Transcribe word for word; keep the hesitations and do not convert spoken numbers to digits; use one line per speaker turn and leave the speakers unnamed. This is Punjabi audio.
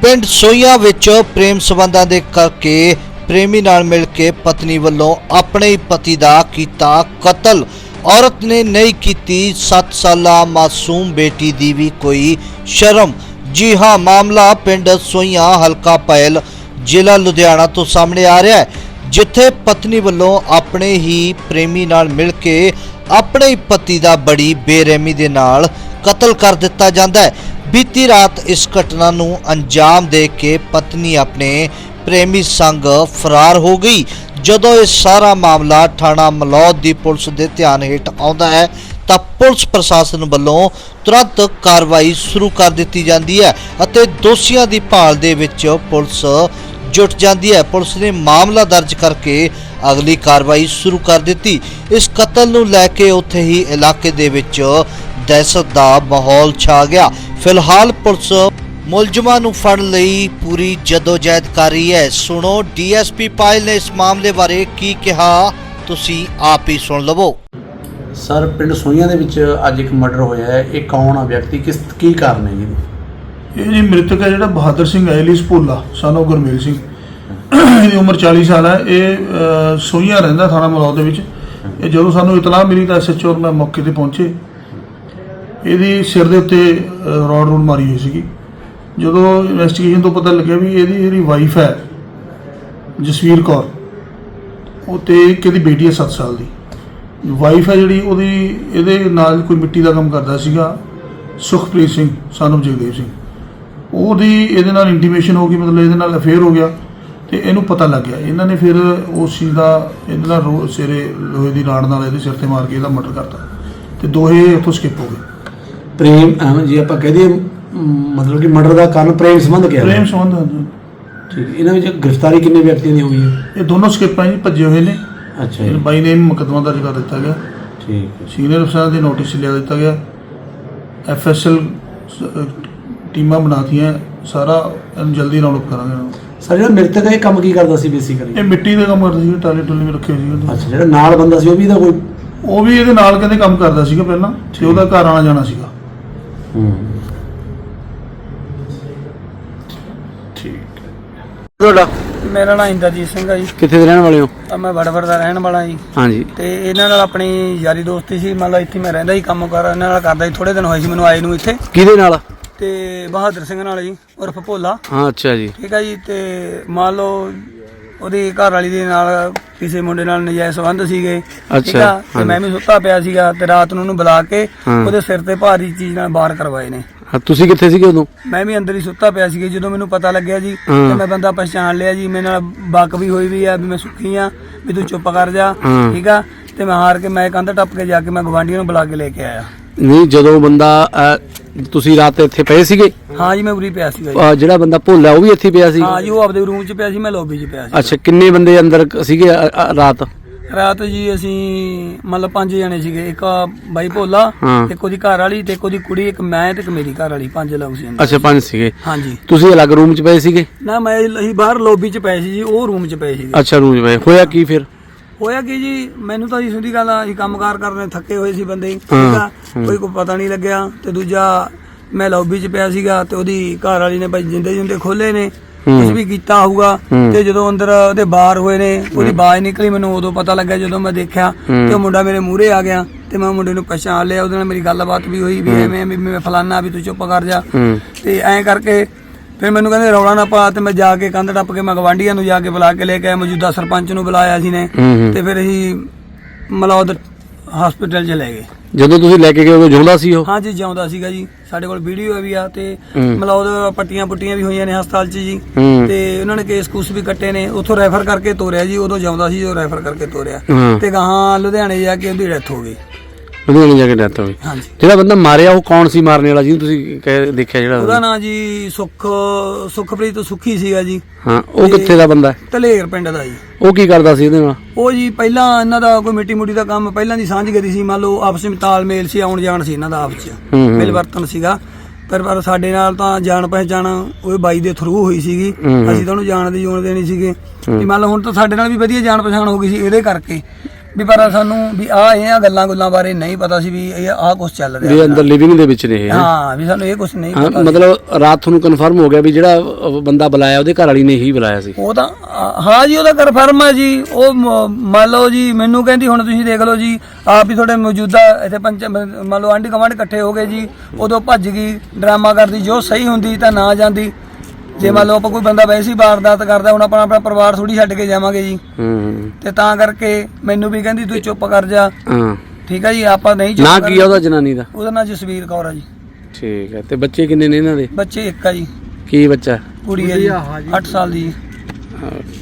पिंड सोईया विच प्रेम संबंधां दे करके प्रेमी नाल मिल के पत्नी वल्लों अपने ही पति दा कीता कतल। औरत ने नहीं कीती सत्त साला मासूम बेटी दी भी कोई शर्म। जी हाँ, मामला पिंड सोईया हलका पैल जिला लुधियाना तो सामने आ रहा है, जिथे पत्नी वल्लों अपने ही प्रेमी नाल मिल के अपने ही पति दा बड़ी बेरहमी दे नाल कतल कर दिता जाता है। बीती रात इस घटना नूं अंजाम दे के पत्नी अपने प्रेमी संग फरार हो गई। जदों इस सारा मामला थाना मलौद दी पुलिस दे ध्यान हेठ आउंदा है तां पुलिस प्रशासन वल्लों तुरंत कार्रवाई शुरू कर दित्ती जांदी है अते दोषियां दी भाल दे विच पुलिस जुट जाती है। पुलिस ने मामला दर्ज करके अगली कार्रवाई शुरू कर दी। इस कतल नूं लैके उत्थे ही इलाके दे विच दहशत दा माहौल छा गया। फिलहाल पुलिस मुलजमां नूं फड़न लई पूरी जदोजहद कर रही है। सुनो डीएसपी पायल ने इस मामले बारे की कहा, तुसी आप ही सुन लवो।
सर, पिंड सोईया दे विच अज एक मर्डर होया है, ये कौन आ व्यक्ति, किस की कारण है जी?
ये जी मृतक है जिहड़ा Bahadur Singh alias Bhola son of Gurmel Singh, इसकी उम्र चालीस साल है। ये सोईया रहिंदा थाना मलौद दे विच। ये जदों सानूं इतलाह मिली तां एस एच ओ मैं मौके ते पहुंचे। ਇਹਦੀ सिर ਦੇ ਉੱਤੇ ਰੋਡ ਰੂਡ ਮਾਰੀ ਹੋਈ ਸੀਗੀ। ਜਦੋਂ ਇਨਵੈਸਟੀਗੇਸ਼ਨ ਤੋਂ ਪਤਾ ਲੱਗਿਆ ਵੀ ਇਹਦੀ ਜਿਹੜੀ ਵਾਈਫ ਹੈ ਜਸਵੀਰ ਕੌਰ, ਉਹ ਤੇ ਇੱਕ ਇਹਦੀ ਬੇਟੀ ਹੈ ਸੱਤ ਸਾਲ ਦੀ। ਵਾਈਫ ਹੈ ਜਿਹੜੀ ਉਹਦੀ ਇਹਦੇ ਨਾਲ ਕੋਈ ਮਿੱਟੀ ਦਾ ਕੰਮ ਕਰਦਾ ਸੀਗਾ ਸੁਖਪ੍ਰੀਤ ਸਿੰਘ ਸਨ ਆਫ ਜਗਦੇਵ ਸਿੰਘ। ਉਹਦੀ ਇਹਦੇ ਨਾਲ ਇੰਟੀਮੇਸ਼ਨ ਹੋ ਗਈ, ਮਤਲਬ ਇਹਦੇ ਨਾਲ ਅਫੇਅਰ ਹੋ ਗਿਆ ਤੇ ਇਹਨੂੰ ਪਤਾ ਲੱਗ ਗਿਆ। ਇਹਨਾਂ ਨੇ ਫਿਰ ਉਸ ਚੀਜ਼ ਦਾ ਇਹਦੇ ਨਾਲ ਰੋ ਸਿਰੇ ਲੋਹੇ ਦੀ ਰਾੜ ਨਾਲ ਇਹਦੇ ਸਿਰ ਤੇ ਮਾਰ ਕੇ ਇਹਦਾ ਮਰਡਰ ਕਰਤਾ ਤੇ ਦੋਹੇ ਉੱਥੋਂ ਸਕਿਪ ਹੋ ਗਏ।
प्रेम जी आप कह दिए मतलब कि मर्डर का कारण प्रेम संबंध क्या
प्रेम संबंध
ठीक है। इन्होंने गिरफ्तारी कितने व्यक्तियों की हुई है?
ये दोनों स्किप हैं जी, भजे हुए ने।
अच्छा जी,
बाई नेम मुकदमा दर्ज कर दिता गया।
ठीक है।
सीनियर अफसर के नोटिस लिया दिता गया। एफ एस एल टीमां बनाती हैं, सारा जल्दी राउंड अप करांगे।
सर, जो मृतक है काम की करता सी बेसिकली?
ये मिट्टी का काम करता सी, टाले टुले भी रखे हुए सी।
अच्छा, जो नाल बंदा सी वो भी दा कोई
ਉਹ ਵੀ ਇਹਦੇ ਨਾਲ ਕਹਿੰਦੇ ਕੰਮ ਕਰਦਾ ਸੀਗਾ ਪਹਿਲਾਂ ਤੇ ਉਹਦਾ ਘਰ ਆਣਾ ਜਾਣਾ ਸੀਗਾ।
ਠੀਕ ਹੈ। ਤੁਹਾਡਾ?
ਮੇਰਾ ਨਾਮ ਇੰਦਰਜੀਤ ਸਿੰਘ ਹੈ ਜੀ।
ਕਿੱਥੇ ਦੇ ਰਹਿਣ ਵਾਲੇ ਹੋ?
ਤਾਂ ਮੈਂ ਵੜਵੜ ਦਾ ਰਹਿਣ ਵਾਲਾ ਜੀ।
ਹਾਂਜੀ। ਤੇ
ਇਹਨਾਂ ਨਾਲ ਆਪਣੀ ਯਾਰੀ ਦੋਸਤੀ ਸੀ, ਮੰਨ ਲਾ ਇੱਥੇ ਮੈਂ ਰਹਿੰਦਾ ਸੀ, ਕੰਮ ਕਰ ਇਹਨਾਂ ਨਾਲ ਕਰਦਾ ਸੀ। ਥੋੜੇ ਦਿਨ ਹੋਏ ਸੀ ਮੈਨੂੰ ਆਏ ਨੂੰ ਇੱਥੇ।
ਕਿਹਦੇ ਨਾਲ? ਤੇ
ਬਹਾਦਰ ਸਿੰਘ ਨਾਲ ਜੀ, ਉਰਫ ਭੋਲਾ।
ਹਾਂ, ਅੱਛਾ ਜੀ।
ਠੀਕ ਹੈ ਜੀ। ਤੇ ਮੰਨ ਲਓ ਉਹਦੀ ਘਰ ਵਾਲੀ ਦੇ ਨਾਲ ਕਿਸੇ ਮੁੰਡੇ ਨਾਲ ਨਜਾਇਜ਼ ਸੰਬੰਧ ਸੀਗੇ। ਠੀਕ ਆ। ਤੇ ਮੈਂ ਵੀ ਸੁੱਤਾ ਪਿਆ ਸੀਗਾ ਤੇ ਰਾਤ ਨੂੰ ਉਹਨੂੰ ਬੁਲਾ ਕੇ ਉਹਦੇ ਸਿਰ ਤੇ ਭਾਰੀ ਚੀਜ਼ ਨਾਲ ਵਾਰ ਕਰਵਾਏ ਨੇ।
ਤੁਸੀਂ ਕਿੱਥੇ ਸੀਗੇ ਉਦੋਂ? ਮੈਂ
ਵੀ ਅੰਦਰ ਹੀ ਸੁੱਤਾ ਪਿਆ ਸੀਗਾ। ਜਦੋਂ ਮੈਨੂੰ ਪਤਾ ਲੱਗਿਆ ਜੀ ਤੇ ਮੈਂ ਬੰਦਾ ਪਛਾਣ ਲਿਆ ਜੀ। ਮੇਰੇ ਨਾਲ ਬਕ ਵੀ ਹੋਈ ਵੀ ਆ ਵੀ ਮੈਂ ਸੁੱਖੀ ਆ, ਵੀ ਤੂੰ ਚੁੱਪ ਕਰ ਜਾ। ਠੀਕ ਆ। ਤੇ ਮੈਂ ਹਾਰ ਕੇ ਮੈਂ ਕੰਧ ਟੱਪ ਕੇ ਜਾ ਕੇ ਮੈਂ ਗਵਾਂਢੀਆਂ ਨੂੰ ਬੁਲਾ ਕੇ ਲੈ ਕੇ ਆਇਆ।
ਨਹੀਂ, ਜਦੋਂ ਬੰਦਾ ਤੁਸੀਂ ਰਾਤ ਇੱਥੇ ਪਏ ਸੀਗੇ?
ਹਾਂ ਜੀ, ਮੈਂ ਉਰੀ ਪਿਆ ਸੀਗਾ।
ਜਿਹੜਾ ਬੰਦਾ ਭੋਲਾ ਉਹ ਵੀ ਇੱਥੇ ਪਿਆ ਸੀ? ਹਾਂ
ਜੀ, ਉਹ ਆਪਦੇ ਰੂਮ 'ਚ ਪਿਆ ਸੀ, ਮੈਂ ਲੌਬੀ 'ਚ ਪਿਆ ਸੀ।
ਅੱਛਾ, ਕਿੰਨੇ ਬੰਦੇ ਅੰਦਰ ਸੀਗੇ ਰਾਤ?
ਰਾਤ ਜੀ ਅਸੀਂ ਮਤਲਬ ਪੰਜ ਜਣੇ ਸੀਗੇ। ਇੱਕ ਬਾਈ ਭੋਲਾ, ਇੱਕ ਉਹਦੀ ਘਰ ਵਾਲੀ ਤੇ ਇੱਕ ਉਹਦੀ ਕੁੜੀ, ਇੱਕ ਮੈਂ ਤੇ ਇੱਕ ਮੇਰੀ ਘਰ ਵਾਲੀ, ਪੰਜ ਲੋਕ ਸੀ।
ਅੱਛਾ, ਪੰਜ ਸੀਗੇ।
ਹਾਂਜੀ।
ਤੁਸੀਂ ਅਲੱਗ ਰੂਮ 'ਚ ਪਏ ਸੀਗੇ? ਨਾ,
ਮੈਂ ਅਸੀਂ ਬਾਹਰ ਲੌਬੀ 'ਚ ਪਏ ਸੀ ਜੀ, ਉਹ ਰੂਮ 'ਚ ਪਏ ਸੀਗੇ।
ਅੱਛਾ, ਰੂਮ 'ਚ ਪਏ। ਹੋਇਆ ਕੀ ਫਿਰ?
ਹੋਇਆ ਕੀ ਜੀ, ਮੈਨੂੰ ਤਾਂ ਜੀ ਸਿੱਧੀ ਗੱਲ ਆ, ਅਸੀਂ ਕੰਮਕਾਰ ਕਰਨੇ ਥੱਕੇ ਹੋਏ ਸੀ ਬੰਦੇ। ਠੀਕ ਆ। ਕੋਈ ਕੋਈ ਪਤਾ ਨਹੀਂ ਲੱਗਿਆ। ਤੇ ਦੂਜਾ ਮੈਂ ਲੌਬੀ 'ਚ ਪਿਆ ਸੀਗਾ ਤੇ ਉਹਦੀ ਘਰ ਵਾਲੀ ਨੇ ਭਾਈ ਜਿੰਦੇ ਜਿੰਦੇ ਖੋਲੇ ਨੇ, ਕੁਝ ਵੀ ਕੀਤਾ ਹੋਊਗਾ। ਤੇ ਜਦੋਂ ਅੰਦਰ ਉਹਦੇ ਬਾਹਰ ਹੋਏ ਨੇ, ਉਹਦੀ ਆਵਾਜ਼ ਨਿਕਲੀ, ਮੈਨੂੰ ਉਦੋਂ ਪਤਾ ਲੱਗਾ ਜਦੋਂ ਮੈਂ ਦੇਖਿਆ ਤੇ ਉਹ ਮੁੰਡਾ ਮੇਰੇ ਮੂਹਰੇ ਆ ਗਿਆ ਤੇ ਮੈਂ ਮੁੰਡੇ ਨੂੰ ਪਛਾਣ ਲਿਆ। ਉਹਦੇ ਨਾਲ ਮੇਰੀ ਗੱਲਬਾਤ ਵੀ ਹੋਈ ਵੀ ਐਵੇਂ ਵੀ ਮੈਂ ਫਲਾਨਾ, ਵੀ ਤੂੰ ਚੁੱਪ ਕਰ ਜਾ। ਤੇ ਐਂ ਕਰਕੇ ਫਿਰ ਮੈਨੂੰ ਕਹਿੰਦੇ ਰੌਲਾ ਨਾ ਪਾ। ਤੇ ਮੈਂ ਜਾ ਕੇ ਕੰਧ ਟੱਪ ਕੇ ਮੈਂ ਗਵਾਂਢੀਆਂ ਨੂੰ ਜਾ ਕੇ ਬੁਲਾ ਕੇ ਲੈ ਕੇ ਆਇਆ। ਮੌਜੂਦਾ ਸਰਪੰਚ ਨੂੰ ਬੁਲਾਇਆ ਸੀ ਨੇ ਤੇ ਫਿਰ ਅਸੀਂ ਮਲੌਦ ਹਸਪੀਟਲ 'ਚ ਲੈ ਗਏ। ਜਦੋਂ ਤੁਸੀਂ ਲੈ ਕੇ ਗਏ ਉਹ ਜਿਉਂਦਾ ਸੀ? ਉਹ ਹਾਂਜੀ, ਜਿਉਂਦਾ ਸੀਗਾ ਜੀ। ਸਾਡੇ ਕੋਲ ਵੀਡੀਓ ਵੀ ਆ ਤੇ ਮਲੌਦ ਪੱਟੀਆਂ ਪੁੱਟੀਆਂ ਵੀ ਹੋਈਆਂ ਨੇ ਹਸਪਤਾਲ 'ਚ ਜੀ। ਤੇ ਉਹਨਾਂ ਨੇ ਕੇਸ ਕੂਸ ਵੀ ਕੱਟੇ ਨੇ। ਉੱਥੋਂ ਰੈਫਰ ਕਰਕੇ ਤੋਰਿਆ ਜੀ। ਉਦੋਂ ਜਿਉਂਦਾ ਸੀ, ਜੋ ਰੈਫਰ ਕਰਕੇ ਤੋਰਿਆ ਤੇ ਗਾਹਾਂ ਲੁਧਿਆਣੇ ਜਾ ਕੇ ਉਹਦੀ ਡੈਥ ਹੋ ਗਈ। ਲੁਧਿਆਣੇ ਜਾ ਕੇ ਡੈਥ ਹੋ ਗਈ। ਹਾਂਜੀ। ਜਿਹੜਾ ਬੰਦਾ ਮਾਰਿਆ ਉਹ ਕੌਣ ਸੀ ਮਾਰਨ ਵਾਲਾ, ਜਿਹਨੂੰ ਤੁਸੀਂ ਦੇਖਿਆ? ਜਿਹੜਾ ਉਹਦਾ ਨਾਂ ਜੀ ਸੁਖ ਸੁਖਪ੍ਰੀਤ ਸੁੱਖੀ ਸੀਗਾ ਜੀ। ਹਾਂ, ਉਹ ਕਿੱਥੇ ਦਾ ਬੰਦਾ? ਧਲੇਰ ਪਿੰਡ ਦਾ ਜੀ। ਉਹ ਕੀ ਕਰਦਾ ਸੀ ਇਹਦੇ ਨਾਲ? ਉਹ ਜੀ ਪਹਿਲਾਂ ਇਹਨਾਂ ਦਾ ਕੋਈ ਮਿੱਟੀ ਮੁੱਟੀ ਦਾ ਕੰਮ ਪਹਿਲਾਂ ਦੀ ਸਾਂਝ ਗਰੀ ਸੀ। ਮੰਨ ਲਓ ਆਪਸ ਵਿੱਚ ਤਾਲਮੇਲ ਸੀ, ਆਉਣ ਜਾਣ ਸੀ ਇਹਨਾਂ ਦਾ ਆਪਸ 'ਚ, ਮਿਲ ਵਰਤਨ ਸੀਗਾ। ਪਰ ਪਰ ਸਾਡੇ ਨਾਲ ਤਾਂ ਜਾਣ ਪਹਿਚਾਣ ਉਹ ਬਾਈ ਦੇ ਥਰੂ ਹੋਈ ਸੀਗੀ। ਅਸੀਂ ਤਾਂ ਉਹਨੂੰ ਜਾਣ ਦੀ ਜੋਨ ਦੇਣੀ ਸੀਗੇ। ਮੰਨ ਲਓ ਹੁਣ ਤਾਂ ਸਾਡੇ ਨਾਲ ਵੀ ਵਧੀਆ ਜਾਣ ਪਛਾਣ ਹੋ ਗਈ ਸੀ ਇਹਦੇ ਕਰਕੇ। ਵੀ ਪਰ ਸਾਨੂੰ ਵੀ ਆ ਇਹ ਗੱਲਾਂ ਗੁੱਲਾਂ ਬਾਰੇ ਨਹੀਂ ਪਤਾ ਸੀ ਵੀ ਇਹ ਆ ਕੁਝ ਚੱਲ ਰਿਹਾ
ਵੀ ਅੰਦਰ ਲਿਵਿੰਗ ਦੇ ਵਿੱਚ ਨੇ ਇਹ, ਹੈਂ?
ਹਾਂ ਵੀ ਸਾਨੂੰ ਇਹ ਕੁਝ ਨਹੀਂ
ਹਾਂ,
ਪਤਾ ਸੀ।
ਮਤਲਬ ਰਾਤ ਤੁਹਾਨੂੰ ਕਨਫਰਮ ਹੋ ਗਿਆ ਵੀ ਜਿਹੜਾ ਅਹ, ਬੰਦਾ ਬੁਲਾਇਆ ਉਹਦੇ ਘਰ ਵਾਲੀ ਨੇ ਹੀ ਬੁਲਾਇਆ ਸੀ।
ਉਹ ਤਾਂ ਅ, ਹਾਂ ਜੀ ਉਹਦਾ ਕਨਫਰਮ ਹੈ ਜੀ। ਉਹ ਮ- ਮੰਨ ਲਓ ਜੀ ਮੈਨੂੰ ਕਹਿੰਦੀ ਹੁਣ ਤੁਸੀਂ ਦੇਖ ਲਓ ਜੀ ਆਪ ਹੀ ਤੁਹਾਡੇ ਮੌਜੂਦਾ ਇੱਥੇ ਪੰਚ ਮੰਨ ਲਓ ਆਂਢੀ ਗੁਆਂਢ ਇਕੱਠੇ ਹੋ ਗਏ ਜੀ, ਉਦੋਂ ਭੱਜ ਗਈ ਡਰਾਮਾ ਕਰਦੀ, ਜੋ ਸਹੀ ਹੁੰਦੀ ਤਾਂ ਨਾ ਜਾਂਦੀ। ਜੇ ਮੰਨ ਲਓ ਆਪਾਂ ਕੋਈ ਬੰਦਾ ਵੈਸੇ ਹੀ ਵਾਰਦਾਤ ਕਰਦਾ ਹੁਣ ਆਪਣਾ ਆਪਣਾ ਪਰਿਵਾਰ ਥੋੜੀ ਛੱਡ ਕੇ ਜਾਵਾਂਗੇ ਜੀ,
ਹੂੰ
ਤੇ ਤਾਂ ਕਰਕੇ ਮੈਨੂੰ ਵੀ ਕਹਿੰਦੀ ਤੂੰ ਚੁੱਪ ਕਰ ਜਾ।
ਹਾਂ,
ਠੀਕ ਹੈ ਜੀ, ਆਪਾਂ ਨਹੀਂ ਚੁੱਪ
ਨਾ
ਕਰ-
ਕੀ ਆ ਉਹਦਾ ਜਨਾਨੀ ਦਾ?
ਉਹਦਾ ਨਾਂ ਜਸਵੀਰ ਕੌਰ ਆ ਜੀ।
ਠੀਕ ਹੈ। ਤੇ ਬੱਚੇ ਕਿੰਨੇ ਨੇ ਇਹਨਾਂ ਦੇ?
ਬੱਚੇ ਇੱਕ ਆ ਜੀ,
ਕੀ ਬੱਚਾ?
ਕੁੜੀ ਹੈ ਜੀ ਅੱਠ ਸਾਲ ਦੀ ਜੀ।
ਹਾਂ,